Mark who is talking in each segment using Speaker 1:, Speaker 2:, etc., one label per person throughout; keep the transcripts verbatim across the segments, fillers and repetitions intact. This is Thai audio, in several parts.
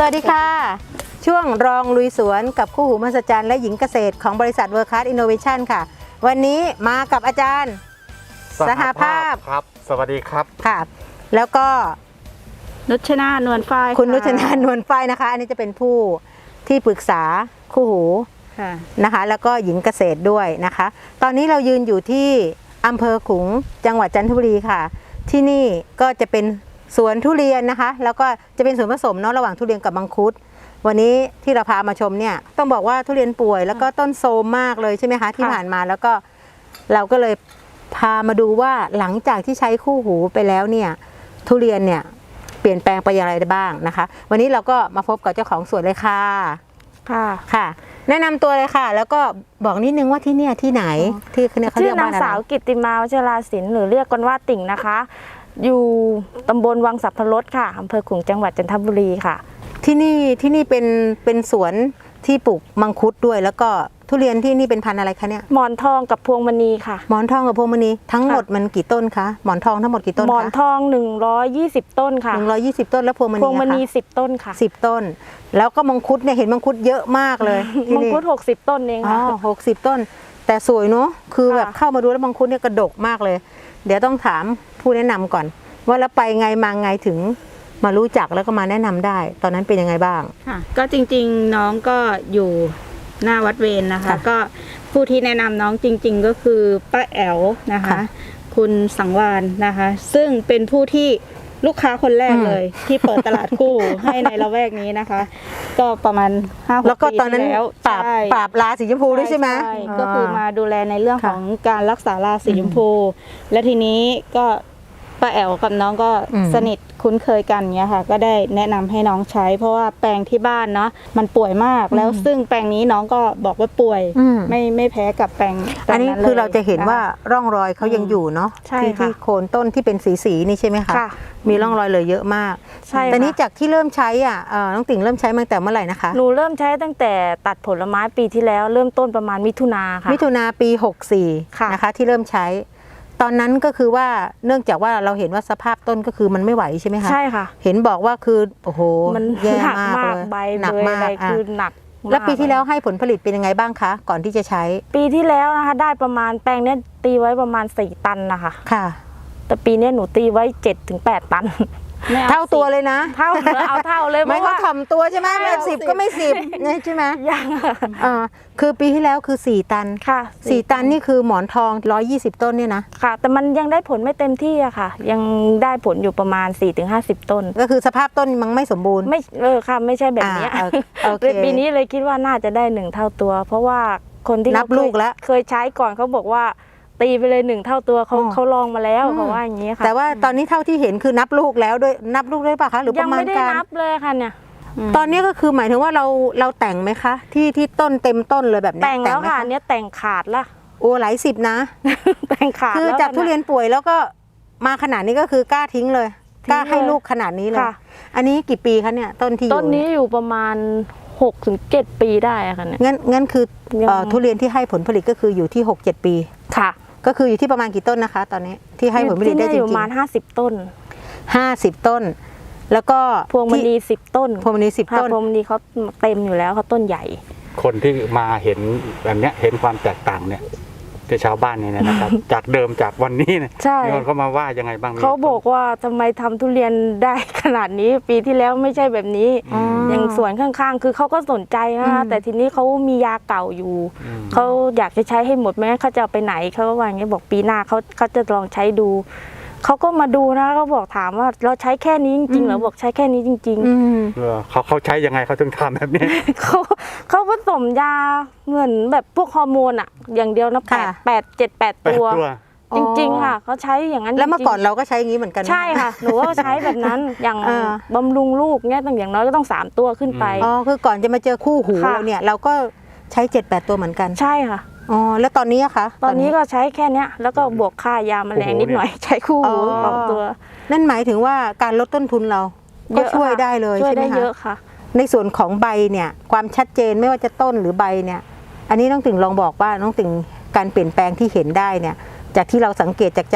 Speaker 1: วัสดีค่ะช่วงรองลุยสวนกับคู่หูมหัศจรรย์และหญิงเกษตรของบริษัทเวิร์คคลาสอินโนเวชั่นค่ะวันนี้มากับอาจารย์สหภาพ
Speaker 2: ครับสวัสดีครับ
Speaker 1: ค่ะแล้วก็
Speaker 3: นุชนานวลฝ้าย
Speaker 1: คุณนุชนานวลฝ้ายนะคะอันนี้จะเป็นผู้ที่ปรึกษาคู่หูนะคะแล้วก็หญิงเกษตรด้วยนะคะตอนนี้เรายืนอยู่ที่อำเภอขลุงจังหวัดจันทบุรีค่ะที่นี่ก็จะเป็นสวนทุเรียนนะคะแล้วก็จะเป็นส่วนผสมเนาะระหว่างทุเรียนกับมังคุดวันนี้ที่เราพามาชมเนี่ยต้องบอกว่าทุเรียนป่วยแล้วก็ต้นโทรมมากเลยใช่ไหมคะที่ผ่านมาแล้วก็เราก็เลยพามาดูว่าหลังจากที่ใช้คู่หูไปแล้วเนี่ยทุเรียนเนี่ยเปลี่ยนแปลงไปอย่างไรได้บ้างนะคะวันนี้เราก็มาพบกับเจ้าของสวนเลยค่ะ
Speaker 3: ค่ะ
Speaker 1: ค่ะแนะนำตัวเลยค่ะแล้วก็บอกนิดนึงว่าที่เนี่ยที่ไหนที่เนี่ยเขาเรียกว่าอะไร
Speaker 3: ชื่อนางสาวกิตติมาวชราศิลป์หรือเรียกกันว่าติ่งนะคะอยู่ตำบลวังสัพพรสค่ะอำเภอขลุงจังหวัดจันทบุรีค่ะ
Speaker 1: ที่นี่ที่นี่เป็นเป็นสวนที่ปลูกมังคุดด้วยแล้วก็ทุเรียนที่นี่เป็นพันธุ์อะไรคะเนี่ย
Speaker 3: หมอนทองกับพวงมณีค่ะ
Speaker 1: หมอนทองกับพวงมณีทั้งหมดมันกี่ต้นคะหมอนทองทั้งหมดกี่ต้นคะ
Speaker 3: หมอนทองหนึ่งร้อยยี่สิบต้นค่ะ
Speaker 1: หนึ่งร้อยยี่สิบต้นแล้วพวงมณี
Speaker 3: พวงมณีสิบต้นค่ะ
Speaker 1: สิบต้นแล้วก็มังคุดเนี่ยเห็นมังคุดเยอะมากเลย
Speaker 3: มังคุดหกสิบต้นเองค่ะ
Speaker 1: อ๋อหกสิบต้นแต่สวยเนาะคือแบบเข้ามาดูแล้วมังคุดเนี่ยกระดกมากเลยเดี๋ยวต้องถามผู้แนะนำก่อนว่าแล้วไปไงมาไงถึงมารู้จักแล้วก็มาแนะนำได้ตอนนั้นเป็นยังไงบ้าง
Speaker 4: ค่ะก็จริงๆน้องก็อยู่หน้าวัดเวร น, นะคะก็ผู้ที่แนะนำน้องจริงๆก็คือป้าแอ๋วนะคะคุณสังวานนะคะซึ่งเป็นผู้ที่ลูกค้าคนแรกเลยที่เปิดตลาดคู่ ให้ในละแวกนี้นะคะก็ประมาณห้าหกปีที่แล้ว
Speaker 1: ปราบปราบราสีชมพูด้วยใช่ไหม
Speaker 4: ก็คือมาดูแลในเรื่องของการรักษาราสีชมพูและทีนี้ก็ป้าแอ๋วกับน้องก็สนิทคุ้นเคยกันเงี้ยค่ะก็ได้แนะนำให้น้องใช้เพราะว่าแปลงที่บ้านเนาะมันป่วยมากแล้วซึ่งแปลงนี้น้องก็บอกว่าป่วยไม่ไม่แพ้กับแปลง
Speaker 1: อันนี้คือเราจะเห็นว่าร่องรอยเขายังอยู่เนาะที่ที่โคนต้นที่เป็นสีสีนี่ใช่ไหมคะมีร่องรอยเลยเยอะมากแต่นี้จากที่เริ่มใช้อ่ะน้องติ่งเริ่มใช้มาตั้งแต่เมื่อไหร่นะคะ
Speaker 3: หนูเริ่มใช้ตั้งแต่ตัดผลไม้ปีที่แล้วเริ่มต้นประมาณมิถุนาค่ะ
Speaker 1: มิถุนาปีหกสี่นะคะที่เริ่มใช้ตอนนั้นก็คือว่าเนื่องจากว่าเราเห็นว่าสภาพต้นก็คือมันไม่ไหวใช่ไหมคะ
Speaker 3: ใช่ค่ะ
Speaker 1: เห็นบอกว่าคือโอ้โห
Speaker 3: มัน
Speaker 1: แย่
Speaker 3: มากเลย
Speaker 1: ใบ
Speaker 3: หนักมากคือหนัก
Speaker 1: แล้วปีที่แล้วให้ผลผลิตเป็นยังไงบ้างคะก่อนที่จะใช้
Speaker 3: ปีที่แล้วนะคะได้ประมาณแปลงนี้ตีไว้ประมาณสี่ตันนะคะ
Speaker 1: ค่ะ
Speaker 3: แต่ปีนี้หนูตีไว้เจ็ดถึงแปดตัน
Speaker 1: เท่าตัวเลยนะ
Speaker 3: เท่าเอาเท่าเลย
Speaker 1: ไม่เขาทำตัวใช่ไหมไม่สิบก็ไม่สิบใช่ไหม
Speaker 3: ยัง
Speaker 1: อ่าคือปีที่แล้วคือสี่ตัน
Speaker 3: ค่ะ
Speaker 1: สี่ตันนี่คือหมอนทองร้อยยี่สิบต้นเนี่ยนะ
Speaker 3: ค่ะแต่มันยังได้ผลไม่เต็มที่อะค่ะยังได้ผลอยู่ประมาณสี่ถึงห้าสิบต้น
Speaker 1: ก็คือสภาพต้นมันไม่สมบูรณ์
Speaker 3: ไม่เออค่ะไม่ใช่แบบนี้ปีนี้เลยคิดว่าน่าจะได้หนึ่งเท่าตัวเพราะว่าคนที่
Speaker 1: นับลูกแล้ว
Speaker 3: เคยใช้ก่อนเขาบอกว่าตีไปเลยหนึ่งเท่าตัวเขาเขาลองมาแล้วเขาว่าอย่างนี้ค่ะ
Speaker 1: แต่ว่าตอนนี้เท่าที่เห็นคือนับลูกแล้วด้วยนับลูกได้ป่ะคะหรือประมาณการ
Speaker 3: ยังไม่ได้นับเลยค่ะเนี่ย
Speaker 1: ตอนนี้ก็คือหมายถึงว่าเราเราแต่งไหมคะที่ที่ต้นเต็มต้นเลยแบบนี้
Speaker 3: แต่งแล้วค่ะเนี้ยแต่งขาดละ
Speaker 1: โอ้หลายสิบนะ
Speaker 3: แต่งขาด
Speaker 1: คือจากทุเรียนป่วยแล้วก็มาขนาดนี้ก็คือกล้าทิ้งเลยกล้าให้ลูกขนาดนี้เลยอันนี้กี่ปีคะเนี่ยต้นที่อยู่
Speaker 3: ต้นนี้อยู่ประมาณหกถึงเจ็ดปีได้ค่ะเนี่ย
Speaker 1: งั้นงั้นคือทุเรียนที่ให้ผลผลิตก็คืออยู่ที่หกเจ็ดปี
Speaker 3: ค่ะ
Speaker 1: ก็คืออยู่ที่ประมาณกี่ต้นนะคะตอนนี้ที่ให้ผลผลิตได้จริงๆ
Speaker 3: ประมาณห้าสิบต้น
Speaker 1: ห้าสิบต้นแล้วก็
Speaker 3: พวงมณีสิบต้น
Speaker 1: พวงมณีสิบต้น
Speaker 3: พวงมณีเขาเต็มอยู่แล้วเขาต้นใหญ่
Speaker 2: คนที่มาเห็นแบบนี้เห็นความแตกต่างเนี่ยที่ชาวบ้านเนี่ยนะครับ จากเดิมจากวันนี้เนี่ยมีคนเขามาว่ายังไงบ้าง
Speaker 3: เขาบอกว่าทำไมทำทุเรียนได้ขนาดนี้ปีที่แล้วไม่ใช่แบบนี้อย่างสวนข้างๆคือเขาก็สนใจนะคะแต่ทีนี้เขามียาเก่าอยู่เขาอยากจะใช้ให้หมดไหมเขาจะเอาไปไหนเขาก็ว่าอย่างนี้บอกปีหน้าเขาเขาจะลองใช้ดูเขาก็มาดูนะเขาบอกถามว่าเราใช้แค่นี้จริงๆเหรอบอกใช้แค่นี้จริง
Speaker 2: ๆเขาเขาใช้ยังไงเขาถึงทำแบบนี้
Speaker 3: เขาเขาผสมยาเหมือนแบบพวกฮอร์โมนอะอย่างเดียวนะแปดแปดเจ็ดแปดตัวจริงๆค่ะเขาใช้อย่างนั้น
Speaker 1: แล้วเมื่อก่อนเราก็ใช้อย่างนี้เหมือนกัน
Speaker 3: ใช่ค่ะหนูก็ใช้แบบนั้นอย่างบำรุงลูกเนี่ยตั้งอย่างน้อยก็ต้องสามตัวขึ้นไป
Speaker 1: อ๋อคือก่อนจะมาเจอคู่หูเราเนี่ยเราก็ใช้เจ็ดแปดตัวเหมือนกัน
Speaker 3: ใช่ค่ะ
Speaker 1: อ๋อแล้วตอนนี้อะคะ
Speaker 3: ตอนนี้ก็ใช้แค่นี้แล้วก็บวกค่ายาแมลงนิดหน่อยใช้คู่หูสองตัว
Speaker 1: นั่นหมายถึงว่าการลดต้นทุนเราก็ช่วยได้เลยใช่ไหมคะช่วย
Speaker 3: ได้เยอะค่ะ
Speaker 1: ในส่วนของใบเนี่ยความชัดเจนไม่ว่าจะต้นหรือใบเนี่ยอันนี้น้องติ่งลองบอกว่าน้องติ่งการเปลี่ยนแปลงที่เห็นได้เนี่ยจากที่เราสังเกตจากจัน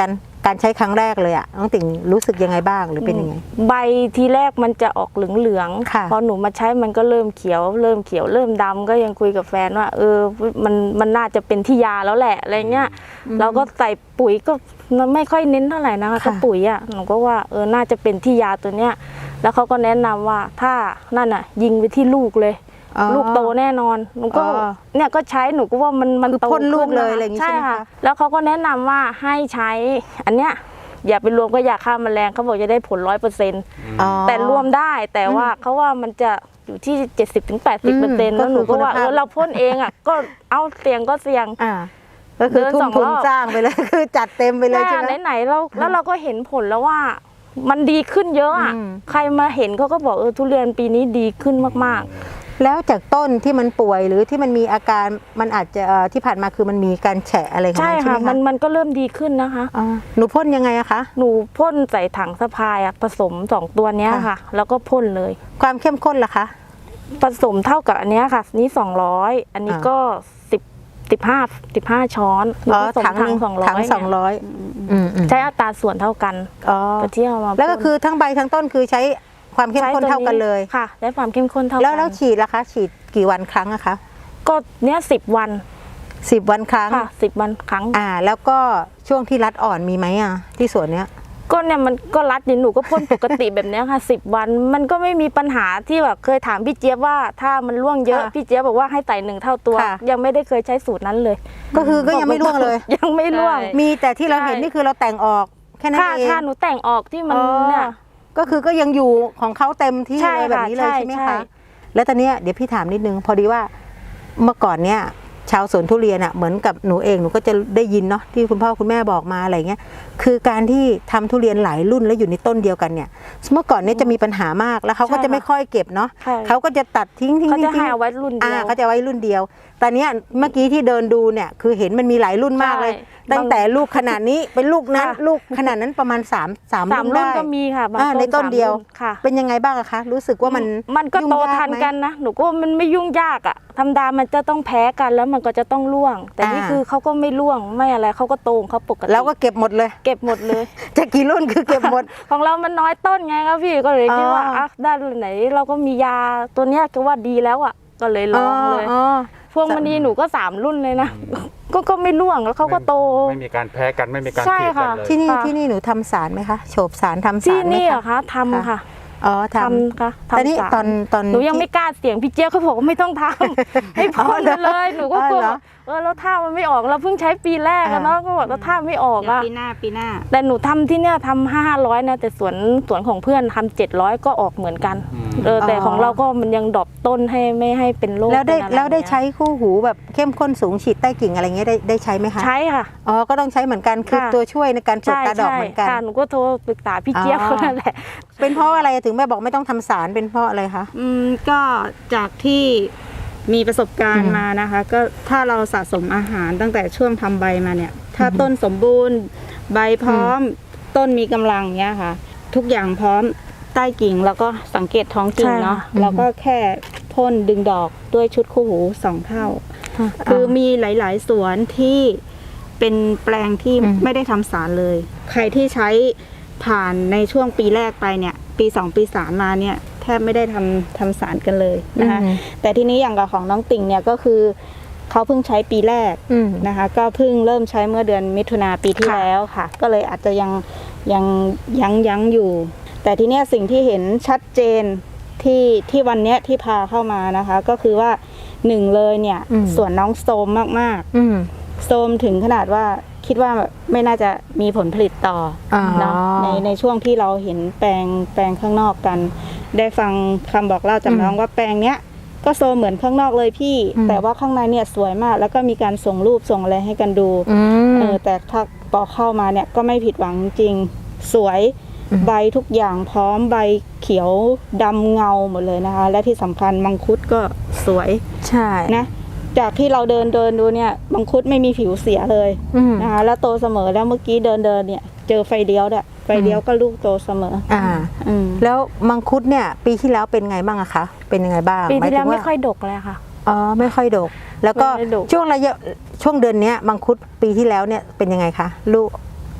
Speaker 1: การใช้ครั้งแรกเลยอะน้องติ่งรู้สึกยังไงบ้างหรือเป็นยังไง
Speaker 3: ใบทีแรกมันจะออกเหลือง
Speaker 1: ค่ะ
Speaker 3: ๆพอหนูมาใช้มันก็เริ่มเขียว เริ่มเขียวเริ่มดำก็ยังคุยกับแฟนว่าเออมันมันน่าจะเป็นที่ยาแล้วแหละอะไรเงี้ยเราก็ใส่ปุ๋ยก็ไม่ค่อยเน้นเท่าไหร่นะคะก็ปุ๋ยอ่ะหนูก็ว่าเออน่าจะเป็นที่ยาตัวเนี้ยแล้วเขาก็แนะนำว่าถ้านั่นอ่ะยิงไปที่ลูกเลย
Speaker 1: อ๋อ
Speaker 3: ลูกโตแน่นอนหนูก็
Speaker 1: อ๋อ
Speaker 3: เนี่ยก็ใช้หนูก็ว่ามันมัน
Speaker 1: คือ
Speaker 3: โต
Speaker 1: พ่นลูก
Speaker 3: ขึ้
Speaker 1: เลยอะไรอย่างงี้
Speaker 3: ใช่
Speaker 1: ใช่ไหม
Speaker 3: ค่ะ
Speaker 1: คะ
Speaker 3: แล้วเขาก็แนะนำว่าให้ใช้อันเนี้ยอย่าไปรวมก็ยาฆ่าแมลงเขาบอกจะได้ผลร้อยเปอร์เซ็นต์
Speaker 1: อ๋อ
Speaker 3: แต่รวมได้แต่ว่าเขาว่ามันจะอยู่ที่เจ็ดสิบถึงแปดสิบเปอร์เซ็นต์
Speaker 1: อืม
Speaker 3: แล้วหนูก็ว่า
Speaker 1: ก็คือคุณภาพ
Speaker 3: เออเราพ่นเองอ่ะก็เอาเสี่ยงก็เสี่ยง
Speaker 1: อ่าก็คือ
Speaker 3: เดิน
Speaker 1: ทุ่
Speaker 3: ส
Speaker 1: ม
Speaker 3: อง
Speaker 1: ทุน
Speaker 3: รอบ
Speaker 1: สร้างไปเลย คือจัดเต็มไปเลยใช่ไหม
Speaker 3: ไหนๆเราแล้วเราก็เห็นผลแล้วว่ามันดีขึ้นเยอะอ่ะ
Speaker 1: อืม
Speaker 3: ใครมาเห็นเขาก็บอกเออทุเรียนปีนี้ดีขึ้นมาก
Speaker 1: แล้วจากต้นที่มันป่วยหรือที่มันมีอาการมันอาจจะเอ่อที่ผ่านมาคือมันมีการแฉะอะไรข
Speaker 3: ๆ
Speaker 1: อง
Speaker 3: ใช่
Speaker 1: มันใช่
Speaker 3: ค่ะ
Speaker 1: ไหม
Speaker 3: มั
Speaker 1: คะ
Speaker 3: นมันก็เริ่มดีขึ้นนะคะ
Speaker 1: อ๋อหนูพ่นยังไงอะคะ
Speaker 3: หนูพ่นใส่ถังสะพายอะผสมสองตัวเนี้ย
Speaker 1: ค่ะ
Speaker 3: ค่ะ แล้วก็พ่นเลย
Speaker 1: ความเข้มข้นล่ะคะ
Speaker 3: ผสมเท่ากับอันเนี้ยค่ะนี่สองร้อยอันนี้
Speaker 1: อ่า
Speaker 3: ก็สิบสิบห้าสิบห้าช้อนหนู
Speaker 1: อ๋อ
Speaker 3: ผสม
Speaker 1: ถังห
Speaker 3: ถั
Speaker 1: นึ่
Speaker 3: ง
Speaker 1: ง
Speaker 3: สองร้อย
Speaker 1: ถังสองร้อยอืมอืม
Speaker 3: ใช้อัตราส่วนเท่ากัน
Speaker 1: อ๋อ
Speaker 3: ก็เที่ยวมา
Speaker 1: แล้วก็คือทั้งใบทั้งต้นคือใช้ความเข้มข้นเท่ากันเลย
Speaker 3: ค่ะได้ความเข้มข้นเท่ากัน
Speaker 1: แล้วแล้วฉีดล่ะคะ ฉีดกี่วันครั้งอะคะ
Speaker 3: ก็เนี้ยสิบวัน
Speaker 1: สิบวันครั้ง
Speaker 3: ค่ะสิบวันครั้ง
Speaker 1: อ่า แล้วก็ช่วงที่รัดอ่อนมีไหมอะที่สวนเนี้ย
Speaker 3: ก็เนี่ยมันก็รัดนี่หนูก็พ่นปกติแบบเนี้ยค่ะสิบวันมันก็ไม่มีปัญหาที่แบบเคยถามพี่เจี๊ยบว่าถ้ามันร่วงเยอะ
Speaker 1: ค่ะ
Speaker 3: พี่เจี๊ยบบอกว่าให้ไต่หนึ่งเท่าตัว
Speaker 1: ค่ะ
Speaker 3: ยังไม่ได้เคยใช้สูตรนั้นเลย
Speaker 1: ก็คือก็ยังไม่ร่วงเลย
Speaker 3: ยังไม่ร่วง
Speaker 4: ใช่
Speaker 1: มีแต่ที่เราเห็น
Speaker 3: ใช่
Speaker 1: นี่คือเราแต่งออกแค่นั้น
Speaker 3: ค่ะ
Speaker 1: เอง
Speaker 3: ถ้าหนูแต่งออกที่มัน
Speaker 1: อ๋อ
Speaker 3: เนี่ย
Speaker 1: ก็คือก็ยังอยู่ของเขาเต็มที่
Speaker 3: ใช่
Speaker 1: เลยแบบนี้เลย
Speaker 3: ค่ะ
Speaker 1: ใช่ไหม
Speaker 3: ใช่
Speaker 1: คะแล้วตอนเนี้ยเดี๋ยวพี่ถามนิดนึงพอดีว่าเมื่อก่อนเนี้ยชาวสวนทุเรียนอ่ะเหมือนกับหนูเองหนูก็จะได้ยินเนาะที่คุณพ่อคุณแม่บอกมาอะไรเงี้ยคือการที่ทำทุเรียนหลายรุ่นแล้วอยู่ในต้นเดียวกันเนี่ยเมื่อก่อนเนี้ยจะมีปัญหามากแล้วเขาก็จะไม่ค่อยเก็บเนาะ
Speaker 3: ใช่
Speaker 1: เขาก็จะตัดทิ้งทิ้ง
Speaker 3: เขา
Speaker 1: ทิ้
Speaker 3: จะ
Speaker 1: ง
Speaker 3: ให้เอาไว้รุ่นเดี
Speaker 1: อ่า
Speaker 3: ยว
Speaker 1: เขาจะไว้รุ่นเดียวแต่เนี้ยเมื่อกี้ที่เดินดูเนี่ยคือเห็นมันมีหลายรุ่นมากเลย
Speaker 3: ใช่
Speaker 1: ตั้งแต่ลูกขนาดนี้เป็นลูกนั้น
Speaker 3: ค่ะ
Speaker 1: ลูกขนาดนั้นประมาณสามสาม
Speaker 3: สาม
Speaker 1: รุ่น
Speaker 3: รุ่น
Speaker 1: ได้
Speaker 3: ก็มีค่ะบาง
Speaker 1: อ่าในต้น
Speaker 3: สาม
Speaker 1: เดียว
Speaker 3: รุ่ค่ะ
Speaker 1: เป็นยังไงบ้างอะคะรู้สึกว่ามัน
Speaker 3: มันก็
Speaker 1: ยุ่ง
Speaker 3: โต
Speaker 1: ยา
Speaker 3: ทัน
Speaker 1: ไหม
Speaker 3: กันนะหนูก็ว่ามันไม่ยุ่งยากอะธรรมดามันจะต้องแพ้กันแล้วมันก็จะต้องร่วง แต่นี่
Speaker 1: อ่า
Speaker 3: คือเขาก็ไม่ร่วงไม่อะไรเขาก็โตของเขาปกติ
Speaker 1: แล้วก็เก็บหมดเลย
Speaker 3: เก็บหมดเลย
Speaker 1: จะกี่รุ่นคือเก็บหมด
Speaker 3: ของเรามันน้อยต้นไงครับพี่ก็เลยคิดว่า
Speaker 1: อ๋ออ่
Speaker 3: อ่ะด้านไหนเราก็มียาตัวเนี้ยก็ว่าดีแล้วอ่ะก็เลยลองเลย
Speaker 1: อ๋อ
Speaker 3: พวงมณีหนูก็สามรุ่นเลยนะก็ก็ไม่ร่วงแล้วเขาก็โต
Speaker 2: ไม่มีการแพ้กันไม่มีการ
Speaker 3: ใช่
Speaker 2: เกลียดกัน
Speaker 3: ค่ะ
Speaker 2: เลย
Speaker 1: ที่นี่
Speaker 3: ค่ะ
Speaker 1: ที่นี่หนูทำสารไหมคะโฉบสารทำสา
Speaker 3: ที่
Speaker 1: รไหม
Speaker 3: นี่เหรอ
Speaker 1: คะ
Speaker 3: คะทำค่ะ
Speaker 1: อ๋อท
Speaker 3: ทำค่ะ
Speaker 1: ำแต่นี่
Speaker 3: ทำสาร
Speaker 1: ตอนตอน
Speaker 3: หนูยังไม่
Speaker 1: ที่
Speaker 3: กล้าเสี่ยงพี่เจี๊ยบเขาบอกว่าไม่ต้องทำ ให้พ่นไปเลยหนูก็กลัว
Speaker 1: อ๋อเหรอ
Speaker 3: เออแล้วถ้ามันไม่ออกเราเพิ่งใช้ปีแรกอะเนาะก็บอกแล้วถ้าไม่ออก
Speaker 4: เดี๋ยว
Speaker 3: อะ
Speaker 4: ปีหน้าปีหน้า
Speaker 3: แต่หนูทำที่เนี่ยทำห้าร้อยนะแต่สวนสวนของเพื่อนทำเจ็ดร้อยก็ออกเหมือนกัน
Speaker 2: อืม
Speaker 3: เออแต่
Speaker 1: อ๋อ
Speaker 3: ของเราก็มันยังดรอปต้นให้ไม่ให้เป็นโรค
Speaker 1: แล้วได้
Speaker 3: เป็นอะร
Speaker 1: แล้วได้
Speaker 3: เงี้ย
Speaker 1: ใช้คู่หูแบบเข้มข้นสูงฉีดใต้กิ่งอะไรเงี้ยได้ได้ใช้ไหมคะ
Speaker 3: ใช้ค่ะ
Speaker 1: อ๋อก็ต้องใช้เหมือนกันคือ
Speaker 3: ค่ะ
Speaker 1: ตัวช่วยในการปลูก
Speaker 3: ใช่
Speaker 1: ตาดอก
Speaker 3: ใช่
Speaker 1: เหมือนกัน
Speaker 3: ค่ะหนูก็โทรปรึกษาพี่เจี๊ยบ
Speaker 1: อ๋อ
Speaker 3: คนนั่นแหละ
Speaker 1: เป็นเพราะอะไรถึงแม่บอกไม่ต้องทำสารเป็นเพราะอะไรคะ
Speaker 4: อืมก็จากที่มีประสบการ
Speaker 1: อื
Speaker 4: ณ์
Speaker 1: ม
Speaker 4: มานะคะ ก็ถ้าเราสะสมอาหารตั้งแต่ช่วงทำใบมาเนี่ย ถ้าต้นสมบูรณ์ ใบพร้อม ต้นมีกำลังเนี้ยค่ะ ทุกอย่างพร้อมใต้กิ่งแล้วก็สังเกตท้องกิ่ง
Speaker 3: ใช่
Speaker 4: เนาะ
Speaker 1: อืม
Speaker 4: แล้วก็แค่พ่นดึงดอกด้วยชุดคู่หูสองเท่า คือมีหลาย ๆ สวนที่เป็นแปลงที่
Speaker 1: อืม
Speaker 4: ไม่ได้ทำสารเลย ใครที่ใช้ผ่านในช่วงปีแรกไปเนี่ย ปีสองปีสามมาเนี่ยแทบไม่ได้ทำทำสารกันเลยนะคะ
Speaker 1: อืม
Speaker 4: แต่ทีนี้อย่างกับของน้องติ่งเนี่ยก็คือเขาเพิ่งใช้ปีแรก
Speaker 1: อืม
Speaker 4: นะคะ ก็เพิ่งเริ่มใช้เมื่อเดือนมิถุนาปีที่
Speaker 1: ค่ะ
Speaker 4: แล้วค่ะ ก็เลยอาจจะยังยังยั้งยั้งอยู่ แต่ทีเนี้ยสิ่งที่เห็นชัดเจนที่ที่วันเนี้ยที่พาเข้ามานะคะ ก็คือว่าหนึ่งเลยเนี่ย
Speaker 1: อืม
Speaker 4: ส่วนน้องโซมมาก
Speaker 1: อืม
Speaker 4: ๆโซมถึงขนาดว่าคิดว่าไม่น่าจะมีผลผลิตต่ออ
Speaker 1: อ
Speaker 4: เนาะในในช่วงที่เราเห็นแปลงแปลงข้างนอกกัน ได้ฟังคำบอกเล่าจากน้องว่าแปลงเนี้ยก็โซมเหมือนข้างนอกเลยพี่
Speaker 1: อืม
Speaker 4: แต่ว่าข้างในเนี่ยสวยมาก แล้วก็มีการส่งรูปส่งอะไรให้กันดู
Speaker 1: อืม
Speaker 4: เออแต่ถ้าพอเข้ามาเนี่ยก็ไม่ผิดหวังจริงสวย
Speaker 1: อืม
Speaker 4: ใบทุกอย่างพร้อมใบเขียวดำเงาหมดเลยนะคะ และที่สำคัญมังคุดก็สวย
Speaker 1: ใช่
Speaker 4: นะจากที่เราเดินเดินดูเนี่ยมังคุดไม่มีผิวเสียเลย
Speaker 1: อืม
Speaker 4: นะคะแล้วโตเสมอแล้วเมื่อกี้เดินเดินเนี่ยเจอไฟเลี้ยวด้วยไฟเลี้ยวก็ลูกโตเสมอ
Speaker 1: อ่า
Speaker 4: อืม
Speaker 1: แล้วมังคุดเนี่ยปีที่แล้วเป็นไงบ้างอะคะ เป็นยังไงบ้าง
Speaker 3: ปีที่แล้ว
Speaker 1: หา
Speaker 3: ไม่
Speaker 1: ถึงา
Speaker 3: ค่อยดกเลยค่ะ
Speaker 1: อ๋อไม่ค่อยดก แล้วก็
Speaker 3: ไม่ได้ดก
Speaker 1: ช่วงระยะช่วงเดือนเนี้ยมังคุดปีที่แล้วเนี่ยเป็นยังไงคะลูก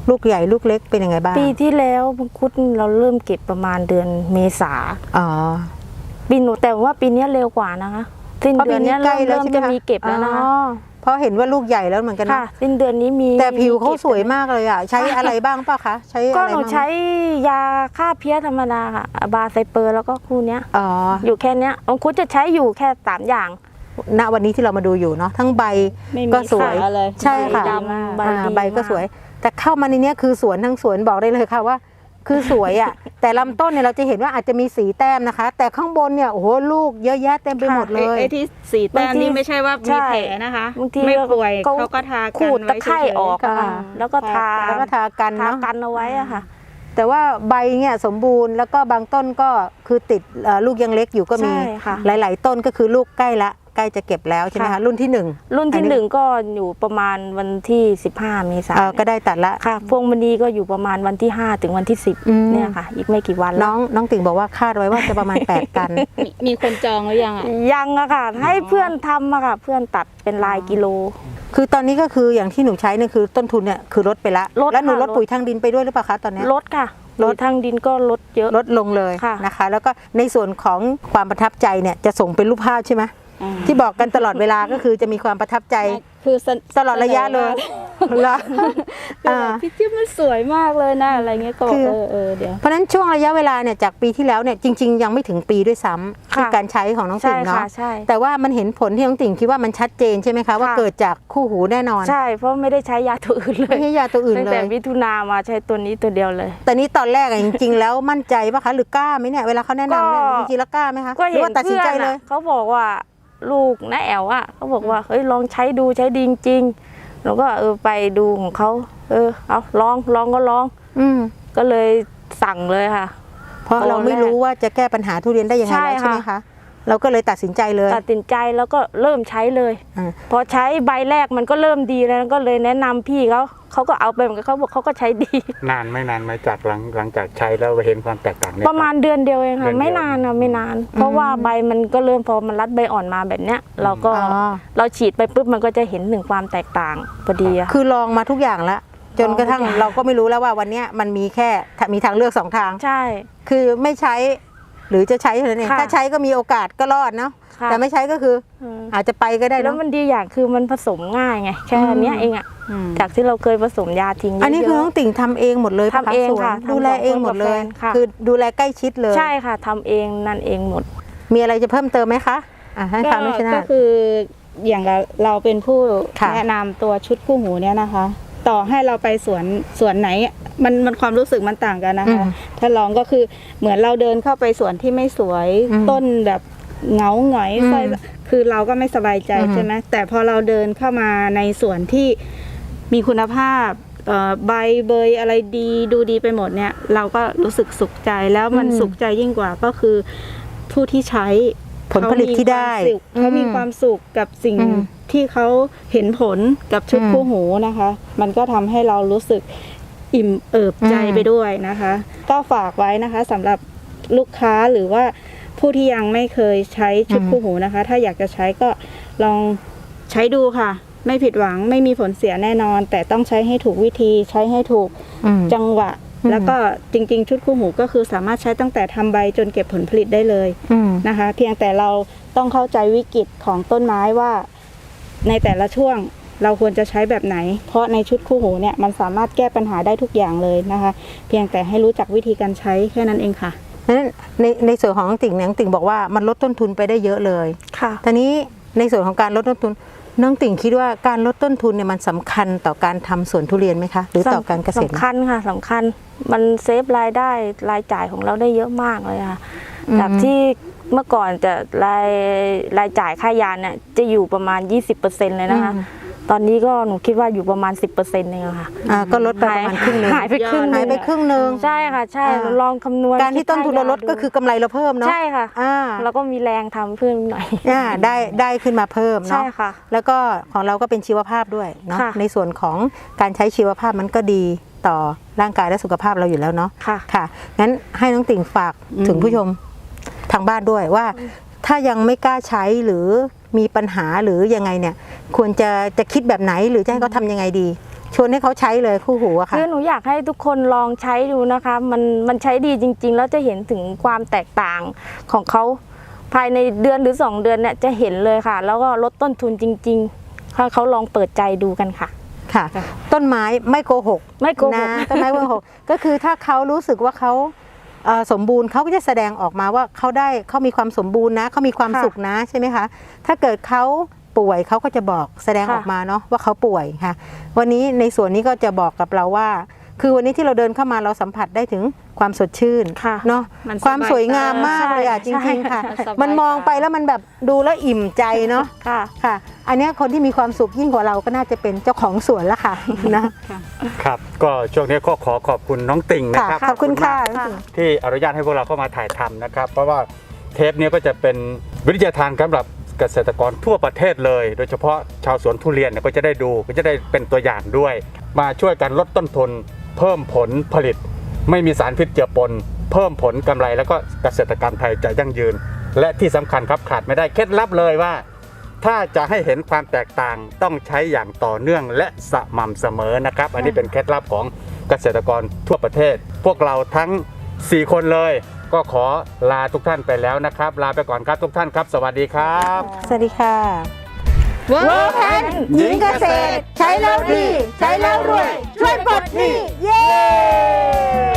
Speaker 1: ลูกใหญ่ลูกเล็กเป็นยังไงบ้าง
Speaker 3: ปีที่แล้วมังคุดเราเริ่มเก็บประมาณเดือนเมษา
Speaker 1: อ๋อ
Speaker 3: ปีหนูแต่ว่าปีนี้เร็วกว่านะคะสิ้นเดือนนี้เริ่มเริ่มจะมีเก็บแล้วนะคะ
Speaker 1: อ๋อเพราะเห็นว่าลูกใหญ่แล้วเหมือนกัน
Speaker 3: ค่ะ
Speaker 1: นะ
Speaker 3: สิ้นเดือนนี้มี
Speaker 1: แต่ผิวเขา
Speaker 3: ก็บ
Speaker 1: สวยมากเลยอ่ะใช้อะไรบ้างเปล่ะคะใช้
Speaker 3: ก็
Speaker 1: อะไร
Speaker 3: หนู
Speaker 1: บ้าง
Speaker 3: ใช้ยาฆ่าเพี้ยธรรมดาค่ะบาไซเปอร์แล้วก็คู่เนี้ย
Speaker 1: อ๋อ
Speaker 3: อยู่แค่เนี้ยมังคุดจะใช้อยู่แค่สามอย่าง
Speaker 1: ณวันนี้ที่เรามาดูอยู่เนาะทั้งใบ
Speaker 4: ไม่มี
Speaker 1: ก็สวย
Speaker 4: ขาเลย
Speaker 1: ใช่ค่ะ
Speaker 3: ใบดำใบ
Speaker 1: อ่า
Speaker 3: ดี
Speaker 1: ใบก็
Speaker 3: มาก
Speaker 1: สวย แต่เข้ามาในเนี้ยคือสวนทั้งสวนบอกได้เลยค่ะว่า คือสวยอ่ะ แต่ลำต้นเนี่ยเราจะเห็นว่าอาจจะมีสีแต้มนะคะ แต่ข้างบนเนี่ยโอ้โหลูกเยอะแยะเต็มไปหมดเลย
Speaker 4: ไอ้ที่สีแต้ม
Speaker 3: บางที
Speaker 4: นี่ไม่ใช่ว่า
Speaker 3: ใช่
Speaker 4: มีแผลนะคะ
Speaker 3: บางที
Speaker 4: ไม่ป่วย
Speaker 3: เขา
Speaker 4: เขาก็ทากัน
Speaker 3: ขูดตะไคร่ออกอะค่ะ
Speaker 1: ค่ะ
Speaker 3: แล้วก็ทา
Speaker 1: แล้วก็ทากัน
Speaker 3: ทา
Speaker 1: เนาะ
Speaker 3: กันเอาไว้อะค่ะ
Speaker 1: แต่ว่าใบเนี่ยสมบูรณ์แล้วก็บางต้นก็คือติดเอ่อลูกยังเล็กอยู่ก็มี
Speaker 3: ใช่ค่ะ
Speaker 1: หลาย ๆ ต้นก็คือลูกใกล้ละใกล้จะเก็บแล้วใช่ไหมคะ
Speaker 3: ค่ะ
Speaker 1: รุ่นที่หนึ่ง
Speaker 3: รุ่น
Speaker 1: อั
Speaker 3: ที่
Speaker 1: นนี้
Speaker 3: หนึ่งก็อยู่ประมาณวันที่สิบห้าเมษา
Speaker 1: เอ่อก็ได้ตัดละ
Speaker 3: ค่ะพวงมณีก็อยู่ประมาณวันที่ห้าถึงวันที่สิบ
Speaker 1: อืม
Speaker 3: เนี่ยค่ะ อีกไม่กี่วัน
Speaker 1: น้
Speaker 3: แล้
Speaker 1: อ
Speaker 3: ว
Speaker 1: งน้องติ่งบอกว่าคาดไว้ว่าจะประมาณ แปดตัน
Speaker 4: มีมีคนจองหรือยังอ่ะ
Speaker 3: ยังอะค่ะ ให้เพื่อนทำอะค่ะ เพื่อนตัดเป็นลายกิโล
Speaker 1: คือตอนนี้ก็คืออย่างที่หนูใช้เนี่ยคือต้นทุนเนี่ยคือลดไปละ
Speaker 3: ลด
Speaker 1: แล้วหนู
Speaker 3: ค่ะ
Speaker 1: ลด
Speaker 3: ลด
Speaker 1: ปุ๋ยทางดินไปด้วยหรือเปล่าคะตอนเนี้ย
Speaker 3: ลดค่ะ
Speaker 1: ลด
Speaker 3: ทางดินก็ลดเยอะ
Speaker 1: ลดลงเลย
Speaker 3: ค่ะ
Speaker 1: นะคะ แล้วก็ในส่วนของความประทับใจเนี่ยจะส่งเป็นรูปภาพใช่ไหม
Speaker 4: อ่า
Speaker 1: ที่บอกกันตลอดเวลาก็คือจะมีความประทับใจ
Speaker 4: คือเสน
Speaker 1: ตลอดระยะเลยเหรอ
Speaker 4: คือ
Speaker 1: อ่า
Speaker 4: แบบพี่จิ๊บมันสวยมากเลยนะอะไรเงี้ยก็บอ
Speaker 1: คื
Speaker 4: ก
Speaker 1: อ
Speaker 4: เออเออเดี๋ยว
Speaker 1: เพราะฉะนั้นช่วงระยะเวลาเนี่ยจากปีที่แล้วเนี่ยจริง ๆ ยังไม่ถึงปีด้วยซ้ำ
Speaker 3: ค่ะ
Speaker 1: ที่การใช้ของน้อง
Speaker 3: ใช่
Speaker 1: ติ่งเนาะ
Speaker 3: ค่ะใช่
Speaker 1: แต่ว่ามันเห็นผลที่น้องติ่งคิดว่ามันชัดเจนใช่ไหมคะว่า
Speaker 3: ค่ะ
Speaker 1: เกิดจากคู่หูแน่นอน
Speaker 3: ใช่ เพราะไม่ได้ใช้ยาตัวอื่นเล
Speaker 1: ไม่
Speaker 3: ย
Speaker 1: ใช่ยาตัวอื่น
Speaker 3: ตั้ง
Speaker 1: เล
Speaker 3: แต่
Speaker 1: ย
Speaker 3: มิถุนามาใช้ตัวนี้ตัวเดียวเลย
Speaker 1: แต่นี้ตอนแรกอะจริง ๆ แล้วมั่นใจปะคะหรือกล้าไหมเนี่ยเวลาเขาแนะนำเนี่ย
Speaker 3: ก็
Speaker 1: จริงๆแล้วกล้าไหมคะ
Speaker 3: ก็
Speaker 1: หรื
Speaker 3: เห็
Speaker 1: อน ว่าตัดสิน
Speaker 3: เพื่อ
Speaker 1: ใจ
Speaker 3: น
Speaker 1: เล
Speaker 3: อะ
Speaker 1: ย
Speaker 3: เขาบอกว่าลูกน้าแอลอะเขาบอกว่าเฮ้ยลองใช้ดูใช้ดีจริงๆแล้วก็เออไปดูของเขาเออเอาลองลองก็ลอง
Speaker 1: อืม
Speaker 3: ก็เลยสั่งเลยค่ะ
Speaker 1: เพราะเราไม่รู้ว่าจะแก้ปัญหาทุเรียนได้ยังไง
Speaker 3: ใช่
Speaker 1: แล้วใช่ไหม
Speaker 3: ค่ะ
Speaker 1: คะเราก็เลยตัดสินใจเลย
Speaker 3: ตัดสินใจแล้วก็เริ่มใช้เลย
Speaker 1: อ่า
Speaker 3: พอใช้ใบแรกมันก็เริ่มดีแล้วก็เลยแนะนำพี่เขาเขาก็เอาไปเหมือนกันเขาบอกเขาก็ใช้ดี
Speaker 2: นานไม่นานไหมจากหลังหลังจากใช้แล้วเห็นความแตกต่างเนี่ย
Speaker 3: ประมาณเดือนเดียวเอง
Speaker 2: เดื
Speaker 3: ค่ะ
Speaker 2: อนเดียว
Speaker 3: ไม่นานนะไม่นาน เพราะว่าใบมันก็เริ่มพอมันรัดใบอ่อนมาแบบเนี้ย เราก็
Speaker 1: อ๋อ
Speaker 3: เราฉีดไปปุ๊บมันก็จะเห็นถึงความแตกต่างพอดีอะ
Speaker 1: คือลองมาทุกอย่างแล้วจนกระทั่ง
Speaker 3: ลองทุกอย่าง
Speaker 1: เราก็ไม่รู้แล้วว่าวันเนี้ยมันมีแค่มีทางเลือกสองทาง
Speaker 3: ใช่
Speaker 1: คือไม่ใช้หรือจะใช้เท่านั้นเอง
Speaker 3: ค่ะ
Speaker 1: ถ้าใช้ก็มีโอกาสก็รอดเนาะ
Speaker 3: ค่ะ
Speaker 1: แต่ไม่ใช้ก็คือ
Speaker 3: อืม
Speaker 1: อาจจะไปก็ได้
Speaker 3: แล้
Speaker 1: เนาะ
Speaker 3: วมันดีอย่างคือมันผสมง่ายไงแค่อันเนี้ยเองอะ
Speaker 4: อืม
Speaker 3: จากที่เราเคยผสมยาทิ้งเยอะๆ
Speaker 1: อันนี้คือน้องติ่งทำเองหมดเลยปะ
Speaker 3: ทำเอง
Speaker 1: สวน
Speaker 3: ค่ะทำ
Speaker 1: ดูแลเองหมดเลย
Speaker 3: สองคนกับแฟนค่ะ
Speaker 1: คือดูแลใกล้ชิดเลย
Speaker 3: ใช่ค่ะทำเองนั่นเองหมด
Speaker 1: มีอะไรจะเพิ่มเติมไหมคะอ่ะให้
Speaker 4: ก็
Speaker 1: ฟังด้วยชนะ
Speaker 4: ก็คืออย่างเราเราเป็นผู้
Speaker 1: ค่ะ
Speaker 4: แนะนำตัวชุดคู่หูเนี่ยนะคะ ต่อให้เราไปสวนสวนไหนมันมันความรู้สึกมันต่างกันนะคะ
Speaker 1: อืม
Speaker 4: ถ้าลองก็คือเหมือนเราเดินเข้าไปสวนที่ไม่สวย
Speaker 1: อืม
Speaker 4: ต้นแบบเหงาหงอย
Speaker 1: อืม
Speaker 4: สร้อยคือเราก็ไม่สบายใจ
Speaker 1: อืม
Speaker 4: ใช่ไหมแต่พอเราเดินเข้ามาในสวนที่มีคุณภาพเอ่อใบเบยอะไรดีดูดีไปหมดเนี่ย เราก็รู้สึกสุขใจแล้วมันสุขใจยิ่งกว่าก็คือผู้ที่ใช้
Speaker 1: ผลผลิตที่ได้
Speaker 4: เขามี
Speaker 1: อืม
Speaker 4: ความสุขกับสิ่ง
Speaker 1: อืม
Speaker 4: ที่เขาเห็นผลกับชุด
Speaker 1: อืม
Speaker 4: คู่หูนะคะ มันก็ทำให้เรารู้สึกอิ่มเอิบใจ
Speaker 1: อืม
Speaker 4: ไปด้วยนะคะ ก็ฝากไว้นะคะสำหรับลูกค้าหรือว่าผู้ที่ยังไม่เคยใช้ชุดคู่หูนะคะ ถ้าอยากจะใช้ก็ลองใช้ดูค่ะ ไม่ผิดหวังไม่มีผลเสียแน่นอน แต่ต้องใช้ให้ถูกวิธีใช้ให้ถูก
Speaker 1: อืม
Speaker 4: จังหวะ
Speaker 1: อืม
Speaker 4: แล้วก็จริงๆ ชุดคู่หูก็คือสามารถใช้ตั้งแต่ทำใบจนเก็บผลผลิตได้เลย
Speaker 1: อืม
Speaker 4: นะคะ เพียงแต่เราต้องเข้าใจวิกฤตของต้นไม้ว่าในแต่ละช่วงเราควรจะใช้แบบไหน เพราะในชุดคู่หูเนี่ยมันสามารถแก้ปัญหาได้ทุกอย่างเลยนะคะ เพียงแต่ให้รู้จักวิธีการใช้แค่นั้นเองค่ะ
Speaker 1: นั้นในในส่วนของน้องติ่งเนี่ยน้องติ่งบอกว่ามันลดต้นทุนไปได้เยอะเลย
Speaker 3: ค่ะ
Speaker 1: ทีนี้ในส่วนของการลดต้นทุนน้องติ่งคิดว่าการลดต้นทุนเนี่ยมันสำคัญต่อการทำสวนทุเรียนไหมคะหรือต่อการเกษตร
Speaker 3: สำคัญค่ะสำคัญมันเซฟรายได้รายจ่ายของเราได้เยอะมากเลยค่ะ
Speaker 1: อืม
Speaker 3: จากที่เมื่อก่อนจะรายรายจ่ายค่ายาเนี่ยจะอยู่ประมาณ ยี่สิบเปอร์เซ็นต์ เลยนะคะ
Speaker 1: อืม
Speaker 3: ตอนนี้ก็หนูคิดว่าอยู่ประมาณ สิบเปอร์เซ็นต์ เองอะค่ะ
Speaker 1: อ่าก็ลดไปประมาณครึ่งหนึง
Speaker 3: หายไปครึ่ง
Speaker 1: หายไปครึ่งหนึง
Speaker 3: ใช่ค่ะ ใช่
Speaker 1: อ่า
Speaker 3: เราลองคำนวณ
Speaker 1: การที่ต้นทุนเราลดก็คือกำไรเราเพิ่มเนาะ
Speaker 3: ใช่ค่ะ
Speaker 1: อ่า
Speaker 3: เราก็มีแรงทำเพิ่มหน่อย
Speaker 1: อ่าได้ได้ขึ้นมาเพิ่ม
Speaker 3: ใช่
Speaker 1: เนาะ
Speaker 3: ค่ะ
Speaker 1: แล้วก็ของเราก็เป็นชีวภาพด้วยเนาะ
Speaker 3: ค่ะ
Speaker 1: ในส่วนของการใช้ชีวภาพมันก็ดีต่อร่างกายและสุขภาพเราอยู่แล้วเนาะ
Speaker 3: ค่ะ
Speaker 1: ค่ะงั้นให้น้องติ่งฝาก
Speaker 4: อืม
Speaker 1: ถึงผู้ชมทางบ้านด้วยว่า ถ้ายังไม่กล้าใช้หรือมีปัญหาหรือยังไงเนี่ย ควรจะจะคิดแบบไหนหรือจะให้เขาทำยังไงดีชวนให้เขาใช้เลยคู่หูอะค่ะ
Speaker 3: คือหนูอยากให้ทุกคนลองใช้ดูนะคะ มันมันใช้ดีจริง ๆ แล้วจะเห็นถึงความแตกต่างของเขาภายในเดือนหรือสองเดือนเนี่ยจะเห็นเลยค่ะ แล้วก็ลดต้นทุนจริงๆถ้าเขาลองเปิดใจดูกันค่ะ
Speaker 1: ค่ะ ต้นไม้ไม่โกหก
Speaker 3: ไม่โกหก
Speaker 1: นะต้นไม้ไม่โกหก ก็คือถ้าเขารู้สึกว่าเขาเอ่อสมบูรณ์เขาก็จะแสดงออกมาว่าเขาได้เขามีความสมบูรณ์นะเขามีความ
Speaker 3: ค่ะ
Speaker 1: สุขนะใช่ไหมคะถ้าเกิดเขาป่วยเขาก็จะบอกแสดง
Speaker 3: ค่ะ
Speaker 1: ออกมาเนาะว่าเขาป่วยค่ะวันนี้ในส่วนนี้ก็จะบอกกับเราว่า คือวันนี้ที่เราเดินเข้ามาเราสัมผัสได้ถึงความสดชื่น
Speaker 3: ค่ะ
Speaker 1: เนาะ
Speaker 4: มันสบาย
Speaker 1: ความสวยงามมากเลยอ่ะจ
Speaker 3: ใช่
Speaker 1: ริงๆค่ะ
Speaker 4: ใช่
Speaker 1: มันมองไปแล้วมันแบบดูแล้วอิ่มใจเนาะ
Speaker 3: ค่ะ
Speaker 1: ค่ะ อันเนี้ยคนที่มีความสุขยิ่งกว่าเราก็น่าจะเป็นเจ้าของสวนละค่ะนะ
Speaker 2: ครับก็ช่วงนี้ก็ขอขอบคุณน้องติ่งนะ
Speaker 1: ค่ะ
Speaker 2: ครับ
Speaker 1: ขอบคุณค่ะ
Speaker 2: มากที่อนุญาตให้พวกเราเข้ามาถ่ายทำนะครับ เพราะว่าเทปนี้ก็จะเป็นวิทยาทานสำหรับเกษตรกรทั่วประเทศเลย โดยเฉพาะชาวสวนทุเรียนเนี่ยก็จะได้ดูก็จะได้เป็นตัวอย่างด้วย มาช่วยกันลดต้นทุนเพิ่มผลผลิต ไม่มีสารพิษเจือปน เพิ่มผลกำไรแล้วก็เกษตรกรรมไทยจะยั่งยืน และที่สำคัญครับขาดไม่ได้เคล็ดลับเลยว่า ถ้าจะให้เห็นความแตกต่างต้องใช้อย่างต่อเนื่องและสม่ำเสมอนะครับ อันนี้เป็นเคล็ดลับของเกษตรกรทั่วประเทศ พวกเราทั้งสี่คนเลย ก็ขอลาทุกท่านไปแล้วนะครับ ลาไปก่อนครับทุกท่านครับ สวัสดีครับ
Speaker 1: สวัสดีค่ะ
Speaker 4: เวิร์ก
Speaker 1: แพนหญิงเกษตร ใช้แล้วดี ใช้แล้วรวย ช่วยปลดหนี้เย้